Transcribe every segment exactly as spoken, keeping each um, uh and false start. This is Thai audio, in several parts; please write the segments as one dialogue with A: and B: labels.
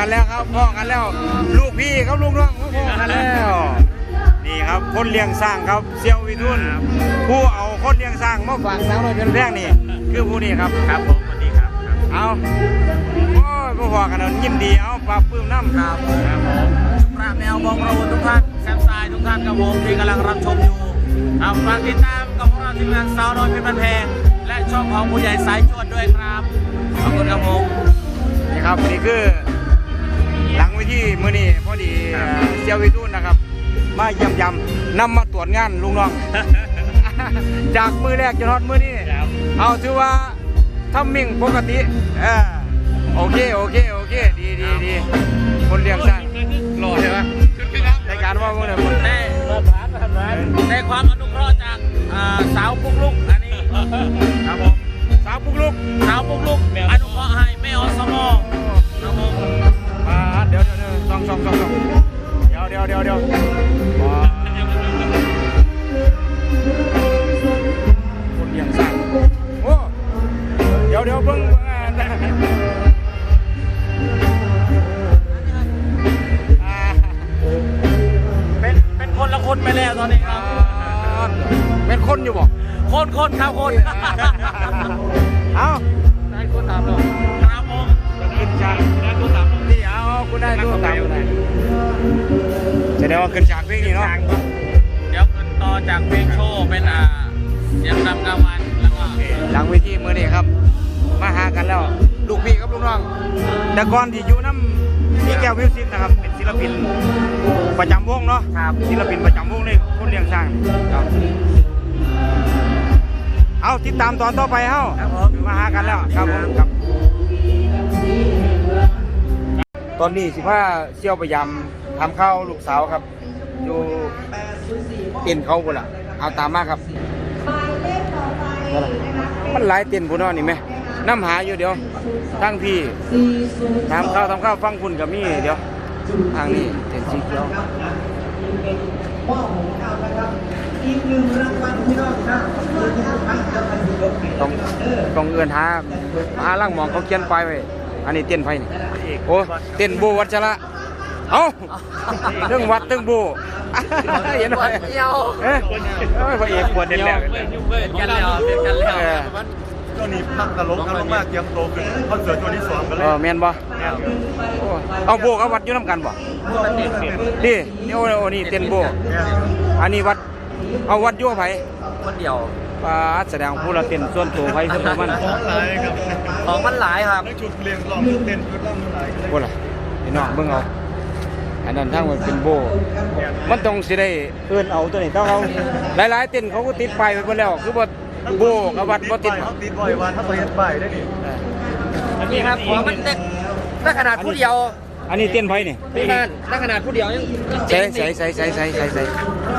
A: แล้วครับพ่อกันแล้วลูกพี่ครับลูกน้องพ่อกันแล้วนี่ครับคนเลี้ยงสร้างครับเซียววิทุนผู้เอาคนเลี้ยงสร้างมาฝากสาวน้อยเป็นแรกนี่คือผู้นี้ครับ
B: ครับผมสวัสดีครับ
A: เอาโอ้ยพ่อกันแล้วยินดีเอาปลาปื้มน้ำครับ
B: ครับผมพระแมวบองเราทุกท่านแซมซายทุกท่านกับผมที่กำลังรับชมอยู่ครับฝากติดตามกับพวกเราทีมงานสาวน้อยเพชรบ้านแพงและช่องของผู้ใหญ่สายจวดด้วยครับขอบคุณครับผม
A: นี่ครับนี่คือหลังเวทีมื้อนี้พอดีเซียววิทุนนะครับมาเยี่ยมยำนำมาตรวจงานลุงน้องจากมือแรกจนฮอดมือนี้เอาถือว่าทำมิ่งปกติเออโอเคโอเคโอเคดีดีดีคนเลี้ยงสร้างหล่อใช่ไหมในการว่าพวกเนี่ยคน
B: ได้ได้ความอนุเคราะห์จากสาวปุ๊กลุกอันนี้ครับผม
A: สาวปุ๊กลุก
B: สาวปุ๊กลุกอนุเคราะห์ให้แม่อสมครับผม
A: มาเดี๋ยวเดี๋ยวเดี๋ยวสองสองสองสองเดี๋ยวเดี๋ยวเดี๋ยวเดี๋ยวคนเลี้ยงสร้างโอ้เดี๋ยวเดี๋ยวเพิ่ง
B: เป็นเป็นคนละคนไปแล้วตอนนี้ครับ
A: เป็นคนอยู่บ่
B: คนคนครับคน
A: เอา
B: ได้คนตามเราครับผม
A: ขึ้นฉาก
B: ได้คนตาม
A: นี่เอาคุณได้ตัวตามคุณได้แสดงว่าขึ้นฉากเพลงนี่เนาะ
B: เดี๋ยวขึ้นต่อจากเพลงโชว์เป็นอ่าเสียงรำกลางวันแล้วก็
A: หลังเวทีมื้อนี้ครับมาหากันแล้วลูกพี่กับลูกน้องแต่ก่อนที่อยู่น้ำพี่แก้วมิวสิกนะครับเป็นศิลปินประจำวงเนาะครับศิลปินประจำวงเลยคนเลี้ยงสร้างครับเอาติดตามตอนต่อไปเฮ้ามาหากันแล้วครับผมครับตอนนี้สิพาเชี่ยวพยายามทำข้าวลูกสาวครับอยู่เต็นเขาบุล่ะเอาตามมาครับมันหลายเต็นบุญนี่ไหมน้ำหาอยู่เดี๋ยวตั้งพี่ทำข้าวทำข้าวฟังคุณกับมี่เดี๋ยวทางนี้เต็นสีเขียวต้องต้องเอื้อนหาหาล่างมองเขาเขียนไปไว้อันนี้เต้นไฟนี่โอ้เต้นโบวัชระเอ้าเรื่องวัดเรื่องโบเห็นไหมเอ้ยพระเอกปวดเดียว
B: กันแล้วกันแล้ว
C: ช่วงนี้พักตลกกันมากเตรียมโตขึ้นคอนเสิร์ตตัวที่สองกันเลย
A: เออแมนบ่เอาโบกับวัดอยู่น้ำกันบ่นี่นี่โอ้นี่เต้นโบอันนี้วัดเอาวัดยั่วไผ่
B: คนเดียว
A: ปลาแสดงผู้ละเต้นส่วนตัวไผ่ส่วนตัวมัน
C: ของหลายครับ
B: ของมันหลายครับ
C: ชุดเรียงรองเต้นชุดร่างหลาย
A: โบล่ะพี่น้องเบิ่งเอาอันนั้นทั้งมันเป็นโบมันต้องสิได้เอื้อนเอาตัวนี้ต้องเอาหลายๆเต้นเขาก็ติดป้ายไปหมดแล้วคือบ่โบกับวัดบ่ติด
C: เขาติดบ่อยวันถ้าไปเห็นป้ายได้ดิ
B: นี่ครับของมันเต้นถ้าขนาดผู้เดียว
A: อันนี้เต้นไผ่นี่
B: นั่นถ้าขนาดผู้เดียวยัง
A: ใส่ใส่ใส่ใส่ใส่ใส่ใส่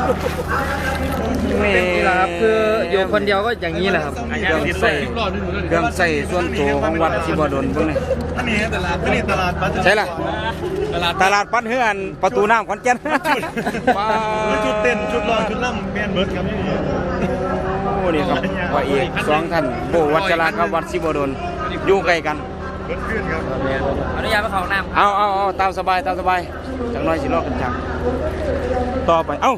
B: นี่แหละครับคืออยู่คนเดียวก็อย่างนี้แหละครับ
A: เครื่องใส่เครื่องใส่ส่วนตัวของวัดสิบ่โดนพวกนี้
C: อันนี้ตลาดอันนี้ตลาด
A: ใช่ล่ะตลาดตลาดปั้นเฮือนประตูน้ำขอนแก่น
C: ชุดเต้นชุดรองชุดล่ำแมนเบิร์ดครับนี่
A: โอ้นี่ครับพระเอกสองท่านโบวัชระกับวัดสิบ่โดนอยู่ใกล้กัน
B: อนุญาตไปเขาน้ำ
A: เอาเอาเอาตามสบายตามสบายจังน้อยสิรอกันจังต่อไปเอ้า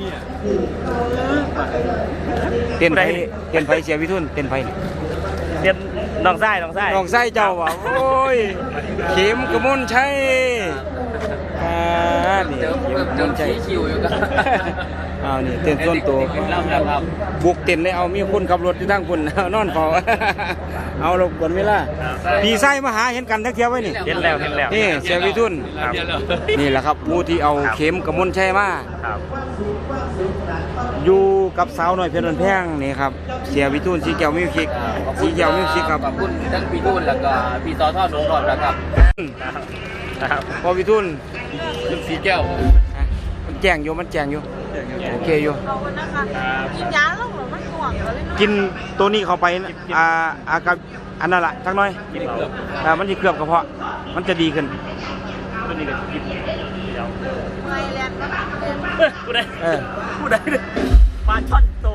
A: เต้นไฟเต้นไฟเสียวิทุนเต้นไฟ
B: เต้นน้องไส้น้องไส้
A: น้องไส้เจ้าว่ะโอ้ยเข็มกระมุนใช่อ่านี่เข็มกระมุนใช่
B: คิวอยู่กัน
A: อ้าวนี่เต้นส่วนตัวบุกเต้นเลยเอามีคนขับรถที่ตั้งคุณนอนเฝ้าเอาลงกวนเวลาปีไส้มาหาเห็นกันทักเที่ยวไว้นี่
B: เห็นแล้วเห็นแล้ว
A: นี่เสียวิทุนนี่แหละครับผู้ที่เอาเข็มกระมุนใช่มาอยู่กับสาวหน่อยเพลินแพงนี่ครับเสียวิทุนสีเขียวมิวสิกสีเขียวมิวสิกครับ
B: ขอบคุณทั้งพี่ทุนแล้วก็พี่ต่อทอดหนุ่มก่อนแล้วครับ
A: พอวิทุน
B: สีแก้ว
A: มันแจงอยู่มันแจงอยู่โอเคอยู่
D: กินยาแล้วหรอมันห่วงเลย
A: กินตัวนี้เข้าไปอ่าอากับอันนั้นแหละทั้งน้อยอ่ามันจะเคลือบกระเพาะมันจะดีขึ้นตัวนี้ก็กิน
D: ไงแลนด์ก็
B: ผู้ใดผู้ใดปลาช่อนโต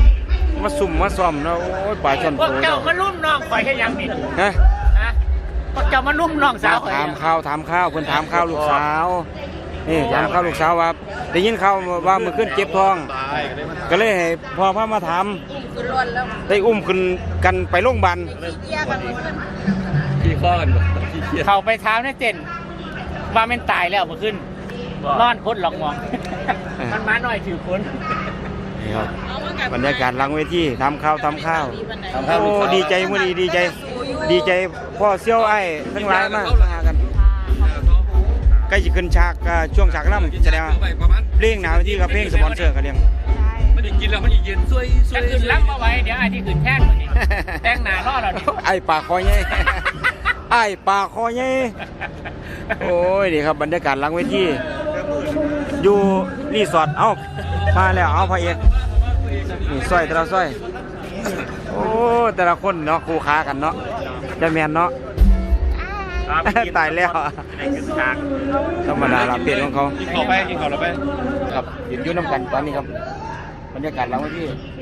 A: มาสุ่มมาซ่อมนะโอ้ยปลาช่อนโต
B: เจ้ามันรุ่นน้องคอยแค่ยังนี่
A: ฮะ
B: จะมานุ่มน้องสาว
A: ถามข้าวถามข้าวเพิ่นถามข้าวลูกสาวนี่ถามข้าวลูกสาวว่าได้ยินข่าวว่ามือขึ้นเจ็บท้อง ก็เลยให้พ่อพามาถาม
D: คือล้วนแล้ว
A: ได้อุ้มขึ้นกันไปโรงพยาบาล
D: ขี้เกียจกันหมดเลย
C: ขี้ข้อกันขี้เกียจ
B: เขาไปถามในเจนว่ามันตายแล้วมาขึ้นนอนพ้นหลอกมองมันมาหน่อยถือพ้น
A: นี่ครับบรรยากาศหลังเวทีทำข้าวทำข้าวโอ้ดีใจมื้อนี้ดีใจ ดีใจพ่อเซี่ยวไอ้ทั้งหลายมากมาหากันใกล้จะขึ้นฉากก็ช่วงฉากล่ำแสดงว่าเพลงหนาวที่กับเพลงสปอนเซอร์กันเรียง
C: มันจะกินแล้วมันจะเย็นช่วยช่ว
B: จะ
C: ย
B: ขึ้นล้ำมาไว้เดี๋ยวไอ้ที่ขึ้นแท่นมาดิแต่งหน้ารอเราดิ
A: ไอ้ปากคอใหญ่ ไอ้ปากคอใหญ่โอ้ยนี่ครับบรรยากาศหลังเวทีอยู่รีสอร์ทเอ้ามาแล้วเอาพระเอกนี่สร้อยแต่ละสร้อยโอ้แต่ละคนเนาะคู่ค้ากันเนาะจะแมนเนาะ ตายแล้วธรรมดาละเปลี่ยนของเขา
C: กินข้าวไปกินข้าวเราไป
A: ครับเห็นยุ่น้ำกันตอนนี้ครับบรรยากาศหลังเวที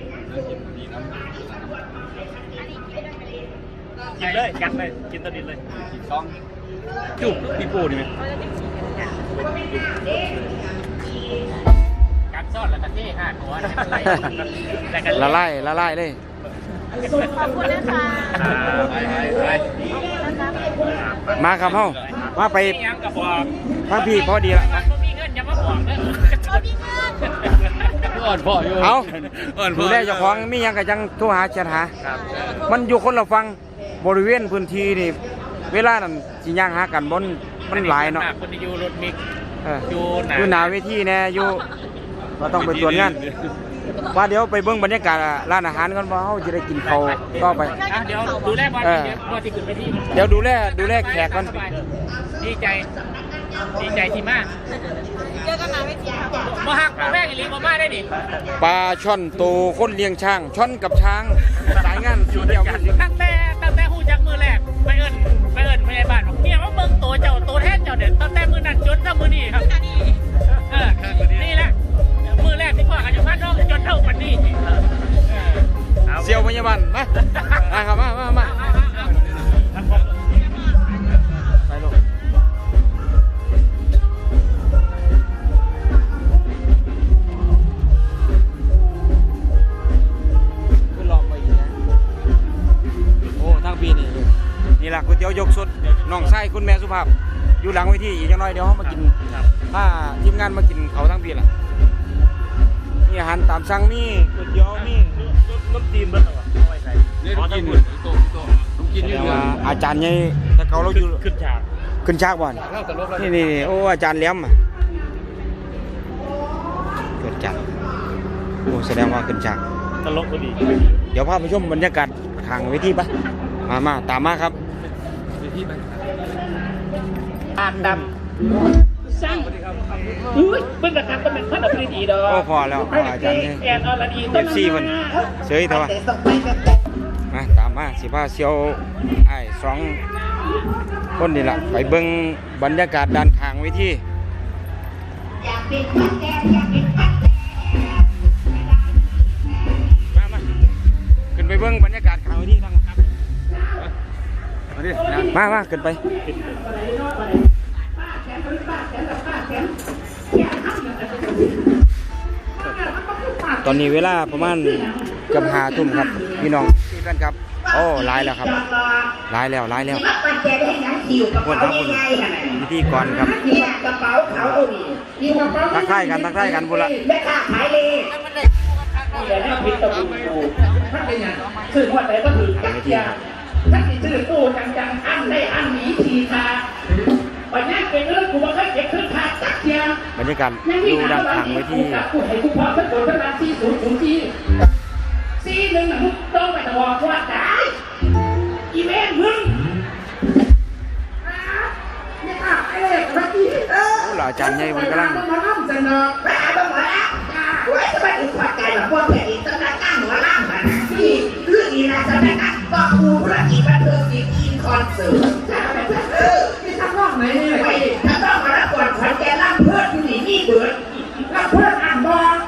B: กินเลยกัดเลยกินตะดินเลย
C: สองจุ๊บพี่ปูนี่ไหม
B: กัดซ่อนแล้วกันที่ห้าตัวแต่กัน
A: ละลายละลายเลย
D: ขอบคุณนะคะ
C: ไปไปไป
A: มาครับเฮามาไป
B: ยังกับบอก
A: พักพี่พอดีละ
B: มันมีเงินจะมาบอกเด้อ
D: เขามีเงิน
C: อ่อนพ่ออยู่
A: เอา
C: อ่อนพ่
A: ดู
C: อ
A: แลเจ้าของมีหยังก็จังโทรหาจัดหามันอยู่คนละฟังบริเวณพื้นที่นี่เวลานั้นสิย่างหากันบนมันหลายเนาะ
B: คนที่อยู่รถมิก
A: เออ
B: อยู่หนา
A: อยู่หน้าเวทีแน่อยู่ก็ต้องไปตรวจงานว่าเดี๋ยวไปเบิ่งบรรยากาศร้านอาหารก่อนว่าเฮาจะได้กินข้าวต่อไป
B: อ่ะเดี๋ยวดูแลบอลเดี๋ยวบอลที่ขึ้นไปที่
A: เดี๋ยวดูแลดูแลแขกก่อน
B: ดีใจ ดีใจที่มาก
D: เจอกันหนาไม่ทีค่ะ
B: มาหักมาแม่งอีหลีมามาได้ดิ
A: ปลาช่อนโตคนเลี้ยงช้างช่อนกับช้างสายงานอยู่เดียวกัน
B: ตั้งแต่ตั้งแต่หูจักมือแรกไปเอิญไปเอิญพยาบาลบอกเนี่ยว่าเบิ่งตัวเจ้าตัวแทนเจ้าเนี่ยตั้งแต่มือนั้นจนถึงมือนี้ครับเออนี่แหละมือแรกที่พ่อกันอยู่บ้านนอกจนเท่าวันนี้
A: เซียวพยาบาลมามาครับมามามาไปลูกขึ้นลองไปอีกนะโอ้ทั้งปีนี่นี่แหละก๋วยเตี๋ยวยกสดน้องไส้คุณแม่สุภาพอยู่หลังเวทีอีกอย่างน้อยเดี๋ยวเขามากินถ้าทีมงานมากินเขาทั้งปีล่ะมีอาหารตามสั่งมีก๋วยเตี๋ยวมี
B: น้ำจีนเบิ้ลเหรอเอาไว้ใส่
C: นี่ต้องกินโต๊ะโต๊ะต้องกินยืน
A: แต่
C: เดือ
A: ว่าอาจารย์ใหญ่แต่เขาเราอยู่
B: ขึ้นฉาก
A: ขึ้นฉากบ่อน
C: เล่าตลกแล้ว
A: นี่นี่โอ้อาจารย์เลี้ยมอะเกิดจัดโอ้แสดงว่าขึ้นฉาก
B: ตลกพอดี
A: เดี๋ยวพาไปชมบรรยากาศทางเวทีปะมามาตามมาครับ
B: อ่านดำสั่งอุ้ยเบิ้งกระทับก็เป็นพันธุ์ดีดีดอก
A: โอ้พอแล้วพออาจารย์เนี่ย
B: แอนอรดี
A: เอฟซีมันเสยเถอะวะมาตามมาสิพาเซียวไอ้สองคนนี่แหละไปเบิ่งบรรยากาศด้านข้างเวทีมามาขึ้นไปเบิ่งบรรยากาศข้างเวทีทั้งครับมาดิมามาขึ้นไปตอนนี้เวลาประมาณเกือบห้าทุ่มครับพี่น้องพี่กันครับโอ้หลายแล้วครับหลายแล้วหลายแล้วคนครับคนพิธีกรครับทักทายกันทักทายกันบุละ
B: แต่ถ้าพิษตะบูถ้าเป็นอย่างสื่อว่าแต่ก็ถือจักรยานถ้าติดสื่อตู้จังๆอันได้อันหนีทีทาวันนี้เป็นเรื่องกูมาแค่เก็บขึ้นทาจักรยาน
A: บรรยากาศดูด้านข้างเวที
B: กูให้กูพอสักคนสักนาทีศูนย์ศูนย์ทีซีหนึ่งมึงต้องไปตะวันว่าตายอีเมนมึง
A: โอ้หล่าอาจารย์ใหญ่มันกำลัง
E: มาล่ำจะเนาะไปหาบ้างหมดแล้วโอ้ยจะไปถึงขวัญใจแบบพวกแผ่นดินต้นนักตั้งหัวล่ำมันที่เรื่องนี้นะจะได้กันก็ครูธุรกิจบันเทิงศิลป์อินคอนเสิร์ตเออที่ทำร่องไหนเนี่ยไปถ้าต้องมาแล้วก่อนขวัญใจล่ำเพื่อนผู้หญิงนี่เบิร์ดล่ำเพื่อนอ่านบอล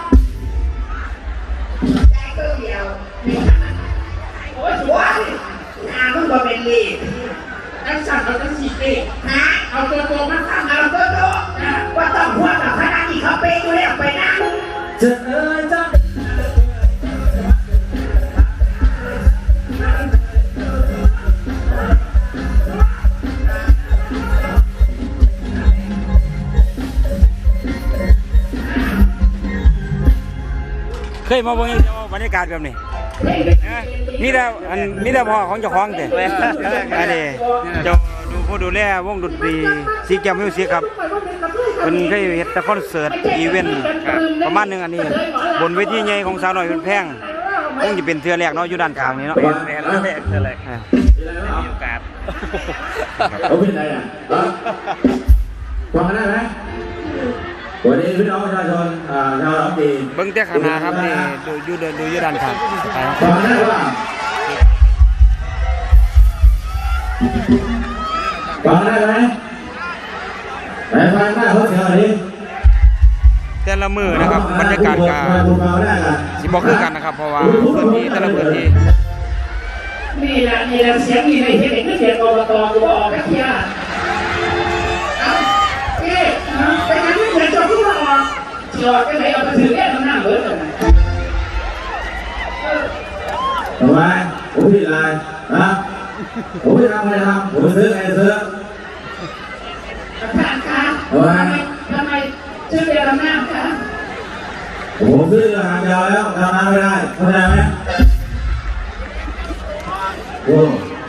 E: ใจก็เดียวโอ้ยสวยงานมึงก็เป็นลีดเอจังสันเอาจังสีเป้ฮะเอาตัวโตมาทำเอาตัวโตว่าต้องหัวกับคณะที่เขาเป้อยู่แล้วไปนะจะเอ้ยจ้า
A: เคยมาเบิ่งบรรยากาศแบบนี้มีแต่อันมีแต่พ่อของเจ้าของแต่อันนี้เจ้าดูผู้ดูแลวงดนตรีซีแกมมิวสิกครับเป็นเคยเฮ็ดแต่คอนเสิร์ตอีเวนต์ประมาณนึงอันนี้บนเวทีใหญ่ของสาวน้อยเป็นแพงคงจะเป็นเทื่อแรกเนาะอยู่ด้านข้างนี้เนาะ
B: แม่แล้วแม่คืออะไรมีโอกาส
C: เขาเป็นอะไรอ่ะฟังกันได้ไหมวันนี้พี่น้องประชาชนชาวลำจีน
A: เบิ่งแต่ข้างหน้าครับนี่ดูอยู่เดินดูอยู่ด้านข้างไปครับ
C: ฟังได้ว่าฟังได้ไหมไหนฟังได้เขาเสียอะไร
A: แต่ละมือนะครับบรรยากาศก็สิบ่คือกันนะครับเพราะว่าพื้นที่แต่ละพื้นที่
E: นี่แหละนี่แหละเสียงนี่ในเห็นเสียงอบตกูบอกแค่เพี้ยเอาเอ๊ะไปงั้นเดี๋ยวจะพูดว่าออกเชียวไปไหนเอาไปถือแก้วหน้าเบิร์ดเลย
C: ทำไมผมผิดอะไรนะผมไม่ทำอะไรทำผมไปซื้อไงซื้อ
E: ท่านคะทำไมทำไมชื่อเรียนหน้าคะ
C: ผมซื้ออาหารยาวแล้วทำงานไม่ได้เข้าใจไหมโอ้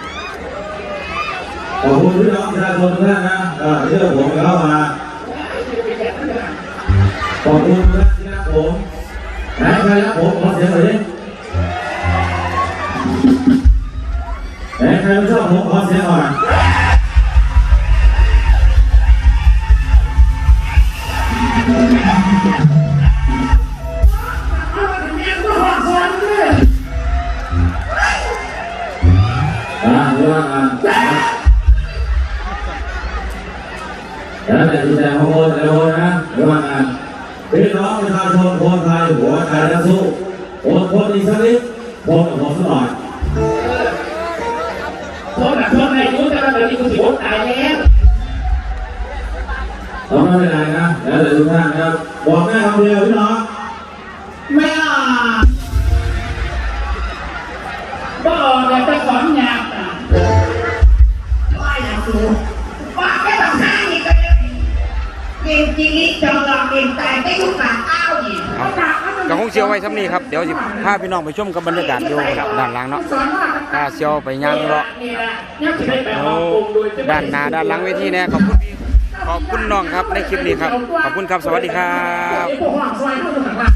C: ขอบคุณพี่น้องประชาชนทุกท่านนะเชื่อผมเข้ามาขอบคุณทุกท่านที่รักผมไหนใครรักผมขอเสียงหน่อยดิไหนใครไม่ชอบผมขอเสียงหน่อยอ่าเรื่องงานแล้วแต่ที่ใจของคนแต่ละคนนะเรื่องงานพี่น้องประชาชนคนไทยหัวใจนักสู้อดทนอีกสักนิดทนกับผมสักหน่อย
E: โทษแบบโทษในรู้แต่ว่าเดี๋ยวนี้กูสิบตายแล้ว
C: เราไม่เป็นไรนะแล้วแต่ทุกท่านนะครับบอกแม่คำเดียวพี่น้อง
E: ไม่อ่ะบ่เลยจะสอนยากอ่ะว่าอย่างสูว่าแค่ต้องห้านี่ก็ได้เก่งจริงนี่จงลองเก่งตายได้ทุกการอ้าวนี่
A: ก็คงเชียวไว้ซ้ำนี้ครับเดี๋ยวสิพาพี่น้องไปชมกับบรรยากาศอยู่ด้านหลังเนาะถ้าเชียวไปย่างเลาะโอ้ด้านหน้าด้านหลังเวทีเนี่ยขอบคุณพี่ขอบคุณน้องครับในคลิปนี้ครับขอบคุณครับสวัสดีครับ
E: พวกหลังซอยพวกหลัง